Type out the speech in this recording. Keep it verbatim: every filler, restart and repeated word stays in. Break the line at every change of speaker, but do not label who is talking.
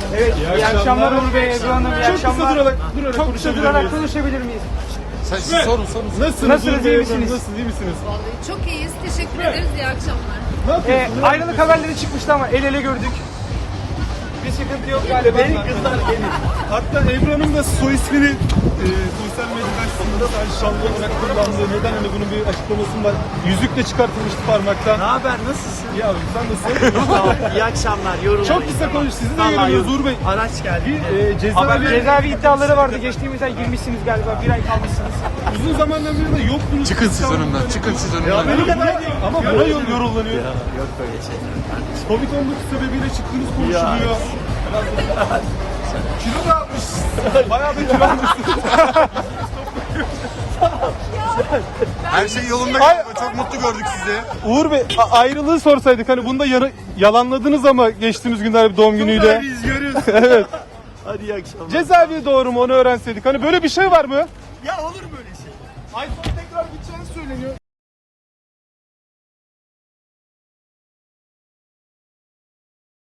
Evet, iyi, akşamlar Uğur Bey, Ebru Hanım, iyi
Çok kısa
akşamlar.
durarak, durarak
Çok kısa
konuşabilir
durarak
miyiz?
konuşabilir miyiz?
Sen, siz sorun sorun.
Nasılsınız?
Nasılsınız,
Uğur Bey,
iyi
Ebru Hanım,
misiniz?
Nasılsınız, iyi misiniz?
Vallahi çok iyiyiz. Teşekkür ederiz. İyi akşamlar.
Ne
Ee,
yapıyorsunuz?
ayrılık haberleri çıkmıştı ama el ele gördük. Bir sıkıntı yok galiba. Benim kızlar benim.
Hatta Ebru Hanım da soy ismini e, sosyal medyadan aslında sadece şanlı olarak kullandığı, neden hani bunun bir açıklaması var. Yüzük de çıkartılmıştı parmaktan.
Ne haber, nasılsın?
İyi abi, sen nasılsın?
Sağ ol. İyi akşamlar, yorulmayın.
Çok kısa konuş, sizi de
Vallahi
görüyoruz
yorul-
Uğur Bey.
Araç geldi.
Bir e, cezaevi,
Cezaevi iddiaları vardı. Geçtiğimiz ay girmişsiniz galiba. Bir ay kalmışsınız.
uzun zamandan beri de yoktunuz.
Çıkın siz önümden. Çıkın siz önümden.
Amerika'da ama buna yol yorullanıyor.
Yok böyle şeyler kardeşim.
Covid on dokuz sebebiyle çıktığınız konuşuluyor. Kilo da almış. Bayağı bir kilo almışsın.
Her şey yolunda galiba. Çok mutlu gördük sizi.
Uğur Bey, a- ayrılığı sorsaydık hani bunu da yara- yalanladınız ama geçtiğimiz günler bir doğum günüyle.
Biz görüyoruz.
Evet.
Hadi iyi akşamlar.
Cezaevi doğru mu onu öğrenseydik. Hani böyle bir şey var mı?
Ya olur böyle şey.
iPhone tekrar gideceğini söyleniyor.